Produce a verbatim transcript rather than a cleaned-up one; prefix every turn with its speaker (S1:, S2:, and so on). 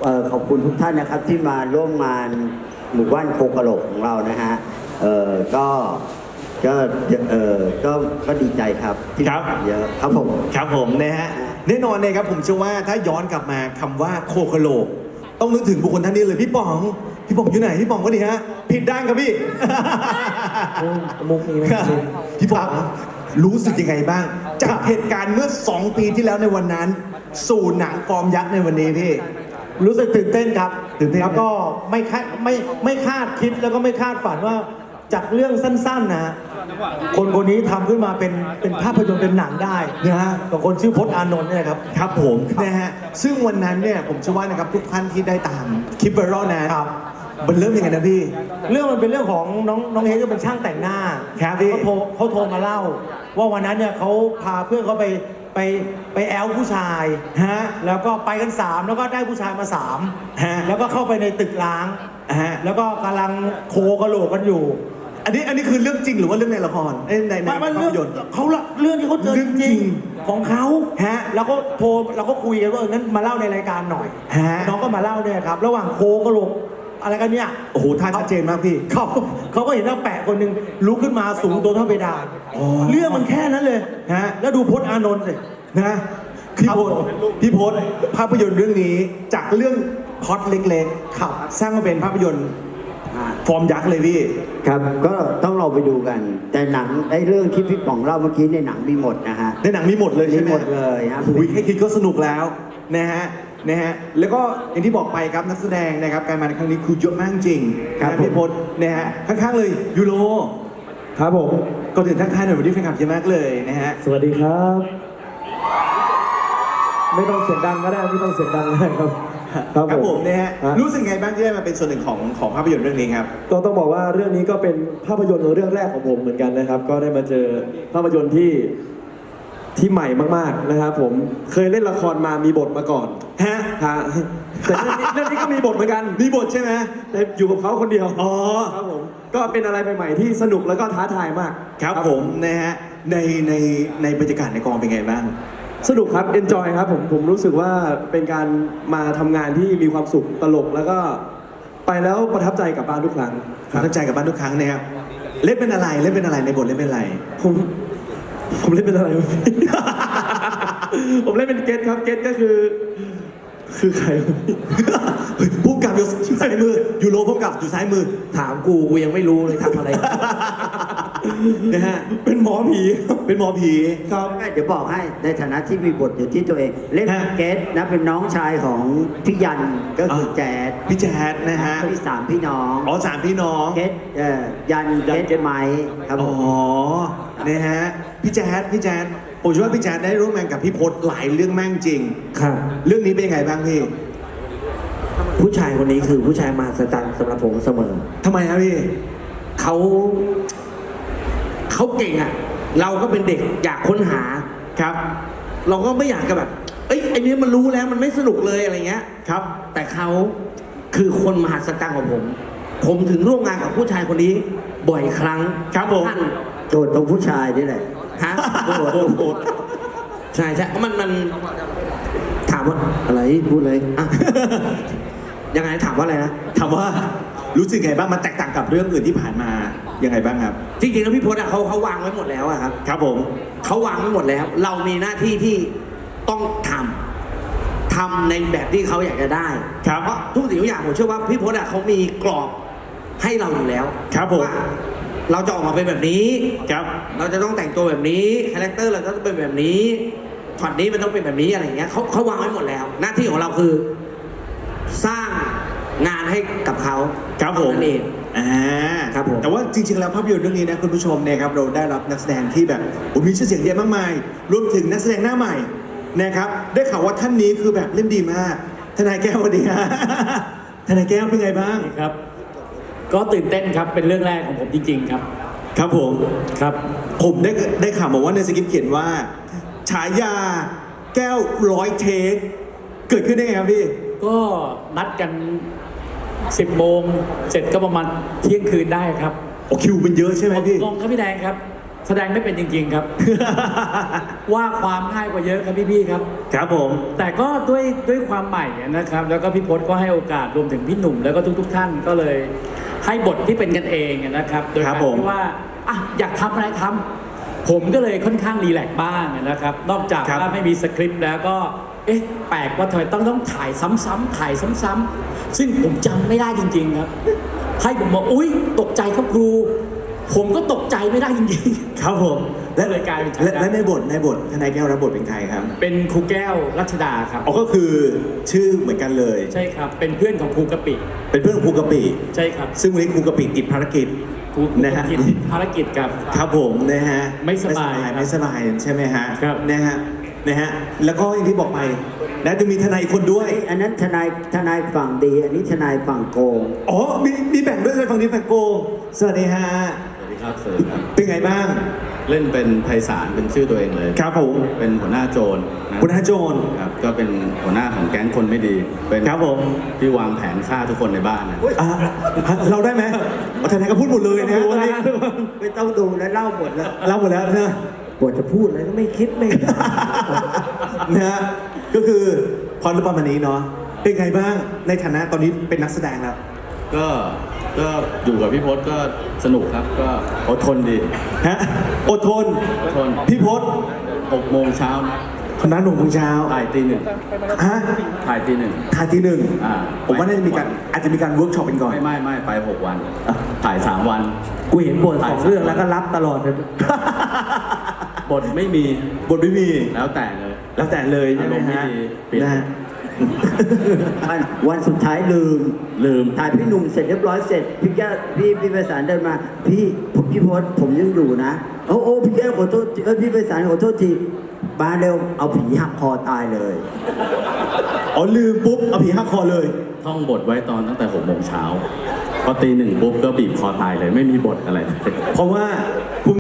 S1: เอ่อขอบคุณทุกท่านนะครับที่มาร่วมงานหมู่บ้านโคกะโหลกของเรานะฮะเอ่อก็ก็เอ่อก็ก็ดีใจครับที่
S2: ครับ
S1: เยอะครับผม
S2: ครับผมนะฮะแน่นอนเลยครับผมเชื่อว่าถ้าย้อนกลับมาคำว่าโคกะโหลกต้องนึกถึงบุคคลท่านนี้เลยพี่ป๋องพี่ป๋องอยู่ไหนพี่ป๋องก็ดีฮะผิดด้านครับพี่
S3: มุกนี้ไหม
S2: ครับพี่ป๋องรู้สึกยังไงบ้างจากเหตุการณ์เมื่อสองปีที่แล้วในวันนั้น สู่หนังฟอร์มยักษ์ในวันนี้พี่
S3: รู้สึกตื่นเต้นครับ
S2: ตื่นเต้น
S3: แล้วก็ไม่คาดไม่ไม่คาดคิดแล้วก็ไม่คาดฝันว่าจากเรื่องสั้นๆนะคนคนนี้ทำขึ้นมาเป็นเป็นภาพยนตร์เป็นหนังได้
S2: นะฮะ
S3: กับคนชื่อพจน์อานนท์เนี่ยครับ
S2: ครับผมนะฮะซึ่งวันนั้นเนี่ยผมเชื่อว่านะครับทุกท่านที่ได้ตามคลิปไวรัลนะครับ มันเริ่มยังไงนะพี่
S3: เรื่องมันเป็นเรื่องของน้องน้องเฮก็เป็นช่างแต่งหน้า
S2: ครับพี่
S3: เขาโทรเขาโทรมาเล่า ว่าวันนั้นเนี่ยเขาพาเพื่อนเขาไปไปไปแอลผู้ชาย
S2: ฮะ
S3: แล้วก็ไปกันสามแล้วก็ได้ผู้ชายมาสาม
S2: ฮะ
S3: แล้วก็เข้าไปในตึกล้าง
S2: ฮะ
S3: แล้วก็กำลังโคกระโหลกกันอยู่
S2: อันนี้อันนี้คือเรื่องจริงหรือว่าเรื่องในละครเอ้ยในใน
S3: มันมัน
S2: ภา
S3: เรื่อ
S2: พ
S3: ง
S2: ยนตร์
S3: เขาละเรื่องที่เขาเจอ
S2: เรื่
S3: จ
S2: องจริ
S3: ริ
S2: ง
S3: งๆของเขา
S2: ฮะ
S3: แล้วก็โทรเราก็คุยกันว่าเอองั้นมาเล่าในรายการหน่อย
S2: ฮะ
S3: น้องก็มาเล่าเนี่ยครับระหว่างโคกระโหลกอะไรกันเนี่ย
S2: โอ้โหท่าชัดเจนมากพี่
S3: เขาเขาก็เห็นว่าแปะคนหนึ่งลุกขึ้นมาสูงตัวเท่าเพดาน
S2: อ๋อ
S3: เรื่องมันแค่นั้นเลย
S2: ฮะ
S3: แล้วดูพจน์อานนท์สิ
S2: นะพี่พศพี่พศภาพยนตร์เรื่องนี้จากเรื่องพล็อตเล็กๆขับสร้างมาเป็นภาพยนตร์
S1: อ่า
S2: ฟอร์มยักษ์เลยพี่
S1: ครับก็ต้องเราไปดูกัน แต่หนังไอ้เรื่องที่พี่ป๋องเล่าเมื่อกี้ในหนังมีหมดนะฮะ
S2: ในหนังมีหมดเลยใช่ไหม
S1: มีหมดเลยครับ
S2: โอ้ยแค่คิดก็สนุกแล้วนะฮะนะฮะแล้วก็อย่างที่บอกไปครับนักแสดงนะครับการมาในครั้งนี้คือเยอะมากจริง
S1: ครับ
S2: นะพี่พศนะฮะข้างๆเลยยูโร
S3: ครับผม
S2: ก่อนถึงทักทายหน่อยวันนี้แฟนคลับเยอะมากเลยนะฮะ
S3: สวัสดีครับ ไม่ต้องเสียงดังก็ได้ไม่ต้องเสียงดังก็ได้ครับ
S2: ครับผมนะฮะ
S3: ฮะ
S2: รู้สึกไงบ้างที่ได้มาเป็นส่วนหนึ่งของของภาพยนตร์เรื่องนี้ครับ
S4: ก็ต้องบอกว่าเรื่องนี้ก็เป็นภาพยนตร์เรื่องแรกของผมเหมือนกันนะครับ ก็ได้มาเจอภาพยนตร์ที่ที่ใหม่มากๆนะครับผมเคยเล่นละครมามีบทมาก่อน
S2: ฮะ
S4: ฮะแต่เรื่องนี้เรื่องนี้ก็มีบทเหมือนกัน
S2: มีบทใช่ไหม
S4: แต่อยู่กับเขาคนเดียว
S2: อ๋อ
S4: ครับผมก็เป็นอะไรใหม่ๆที่สนุกแล้วก็ท้าทายมาก
S2: ครับผมนะฮะในในในบรรยากาศในกองเป็นไงบ้าง
S4: สนุกครับ enjoy ครับผมผมรู้สึกว่าเป็นการมาทำงานที่มีความสุขตลกแล้วก็ไปแล้วประทับใจกลับบ้านทุกครั้ง
S2: ประทับใจกับบ้านทุกครั้งนะครับเล่นเป็นอะไรเล่นเป็นอะไรในบทเล่นเป็นอะไร
S4: ผมผมเล่นเป็นอะไรวะ ผมเล่นเป็นเกตครับเกตก็คือ คือใครวะ
S2: เฮ้ยพุ่มกับอยู่ซ้ายมือยูโรพุ่มกับอยู่ซ้ายมือ
S3: ถามกูกูยังไม่รู้เลยทำอะไร
S2: นะฮะ
S4: เป็นหมอผี
S2: เป็นหมอผี
S4: ครับ
S1: เดี๋ยวบอกให้ในฐานะที่มีบทอยู่ที่ตัวเอง เล่น
S2: ฮะ
S1: เกสนะเป็นน้องชายของพี่ยันก็คือแจ๊ด
S2: พี่แจ๊ดนะฮะ
S1: พี่สามพี่น้อง
S2: อ๋อสามพี่น้อง
S1: เกสเอ่อยันเกสไม้ครับผ
S2: อ๋อ
S1: ม
S2: นะฮะพี่แจ๊ดพี่แจ๊ดผมเชื่อว่าพี่แจ๊ดได้ร่วมงานกับพี่พศหลายเรื่องมากจริง
S3: ครับ
S2: เรื่องนี้เป็นยังไงบ้างพี่
S3: ผู้ชายคนนี้คือผู้ชายมหัศจรรย์สำหรับผมเสมอ
S2: ทำไมครับพี่
S3: เขาเขาเก่งอ่ะ เราก็เป็นเด็กอยากค้นหา
S2: ครับ
S3: เราก็ไม่อยากจะแบบ เอ้ยไอ้นี้มันรู้แล้วมันไม่สนุกเลยอะไรเงี้ย
S2: ครับ
S3: แต่เขาคือคนมหัศจรรย์ของผม ผมถึงร่วมงานกับผู้ชายคนนี้ บ่อยครั้ง
S2: ครับผม
S3: ท่าน
S1: โจทย์ตรงผู้ชายนี่แหละ
S3: ฮะโอ้โหโอ้โหใช่ใช่มันมันถามว่าอะไรพูดเลยอ่ะ ยังไงถามว่าอะไรนะ
S2: ถามว่ารู้สึกไงบ้างมันแตกต่างกับเรื่องอื่นที่ผ่านมายังไงบ้างครับ
S3: จริงๆแล้วพี่พจน์อะเขาเขาวางไว้หมดแล้วอะครับ
S2: ครับผม
S3: เขาวางไว้หมดแล้ว เรามีหน้าที่ที่ต้องทำทำในแบบที่เขาอยากจะได้
S2: ครับ
S3: เพราะทุกสิ่งทุกอย่างผมเชื่อว่าพี่พจน์อะเขามีกรอบให้เราอยู่แล้ว
S2: ครับผม
S3: ว่าเราจะออกมาเป็นแบบนี้
S2: ครับ
S3: เราจะต้องแต่งตัวแบบนี้คาแรคเตอร์เราจะต้องเป็นแบบนี้ช็อตนี้มันต้องเป็นแบบนี้อะไรอย่างเงี้ยเขาเขาวางไว้หมดแล้ว หน้าที่ของเราคือ สร้างงานให้กับเขา
S2: ครับผม
S3: นั่นเอง
S2: อ่า
S3: ครับผม
S2: แต่ว่าจริงๆ แล้วภาพยนตร์เรื่องนี้นะคุณผู้ชมเนี่ยครับเราได้รับนักแสดงที่แบบโอ้มีชื่อเสียงเยอะมากมาย รวมถึงนักแสดงหน้าใหม่นะครับได้ข่าวว่าท่านนี้คือแบบเล่นดีมากทนายแก้วสวัสดีฮะ ทนายแก้วเป็นไงบ้าง
S5: ครับ ก็ตื่นเต้นครับ เป็นเรื่องแรกของผมจริง ๆ ครับ
S2: ครับผม
S5: ครับ
S2: ผมได้ได้ข่าวมาว่าในสคริปต์เขียนว่า ฉายาแก้วร้อยเทคเกิดขึ้นได้ไงครับพี่
S5: ก็นัดกันสิบโมงเสร็จก็ประมาณเที่ยงคืนได้ครับ
S2: โอ้คิวมันเยอะใช่ไหมพี่
S5: ลงครับพี่แดงครับแสดงไม่เป็นจริง ๆ ครับ ว่าความง่ายกว่าเยอะครับพี่ๆครับ
S2: ครับผม
S5: แต่ก็ด้วยด้วยความใหม่นะครับ แล้วก็พี่พศก็ให้โอกาสรวมถึงพี่หนุ่มแล้วก็ทุก ๆ ท่านก็เลยให้บทที่เป็นกันเองนะครับ โดย
S2: ครั
S5: กา
S2: บ
S5: ร
S2: ผม
S5: ที่ว่าอ่ะอยากทำอะไรทำผมก็เลยค่อนข้างรีแลกซ์บ้างนะครับ นอกจาก
S2: ครับ
S5: ว่าไม่มีสคริปต์แล้วก็เอ๊ะแปลกว่าทำไมต้องต้องถ่ายซ้ำๆถ่ายซ้ำๆซึ่งผมจำไม่ได้จริง ๆ ครับ ให้ผมบอกอุ๊ยตกใจครับครู ผมก็ตกใจไม่ได้จริงๆ
S2: ครับผม
S5: และเลยกลายเป็นฉายา
S2: และและในบทในบททนายแก้วรับบทเป็นใครครับ
S5: เป็นครูแก้วรัชดาครับ
S2: อ๋อก็คือชื่อเหมือนกันเลย
S5: ใช่ครับ เป็นเพื่อนของครูกะปิ
S2: เป็นเพื่อนของครูกะปิ
S5: ใช่ครับ
S2: ซึ่งวันนี้ครูกะปิติดภารกิจ
S5: ครู
S2: นะฮะ
S5: กิจภารกิจกับ
S2: ครับผมนะฮะ
S5: ไม่สบาย
S2: ไม่สบายใช่ไหมฮะ
S5: ครับ
S2: นะฮะนะฮะแล้วก็อย่างที่บอกไปนะจะมีทนายอีกคนด้วย
S1: อันนั้นทนายทนายฝั่งดี อันนี้ทนายฝั่งโกง
S2: อ๋อมีมีแบ่งด้วยเลยฝั่งนี้ฝั่งโกสวัสดีฮะ
S6: สวัสดีครับสวัสดีครับ
S2: เป็นไงบ้าง
S6: เล่นเป็นไพศาลเป็นชื่อตัวเองเลย
S2: ครับผม
S6: เป็นหัวหน้าโจรนะ
S2: คุณอาโจน
S6: ครับก็เป็นหัวหน้าของแก๊งคนไม่ดี เป็น
S2: ครับผม
S6: ที่วางแผนฆ่าทุกคนในบ้านนะ
S2: อ่ะเราได้ไหมอ๋อทนายก็พูดหมดเลยนะฮะตอนนี้
S1: ไม่ต้องดูแล้วเล่าหมดแล้ว
S2: เราหมดแล้วนะ
S1: บทจะพูดอะไรก็ไม่คิดไม่
S2: นะฮะก็คือพรประมาณนี้เนาะเป็นไงบ้างในฐานะตอนนี้เป็นนักแสดงแล้ว
S6: ก็ก็อยู่กับพี่พศก็สนุกครับ ก็อดทนดี
S2: ฮะอดทน
S6: อดทน
S2: พี่พศ
S6: หกโมงเช้านะ
S2: คณะหนุ่มโมงเช้า
S6: ถ่ายตีหนึ่ง
S2: ฮะ
S6: ถ่ายตีหนึ่ง
S2: ถ่ายทีหนึ่ง
S6: อ่า
S2: ผมว่าน่าจะมีการอาจจะมีการเวิร์กช็อปกันก่อน
S6: ไม่ไม่ไม่ไปหกวัน ถ่ายสามวัน
S1: กูเห็นบทสองเรื่องแล้วก็รับตลอดเลย
S6: บทไม่มี
S2: บทไม่มี
S6: แล้วแต่เลย
S2: แล้วแต่เลยใช่ไหมฮะ
S6: อารมณ์ไม่ดีปิด
S2: นะฮะ
S1: วันวันสุดท้ายลืม
S6: ลืม
S1: ถ่ายพี่หนุ่มเสร็จเรียบร้อยเสร็จ พี่แก้วพี่พี่ไพศาลเดินมา พี่ผมพี่พศผมยังอยู่นะโอ้โอ้พี่แก้วขอโทษเออพี่ไพศาลขอโทษทีมาเร็วเอาผีหักคอตายเลย
S2: อ๋อลืมปุ๊บเอาผีหักคอเลย
S6: ท่องบทไว้ตอนตั้งแต่หกโมงเช้าพอตีหนึ่งปุ๊บก็บีบคอตายเลย ไม่มีบทอะไร
S2: เพราะว่า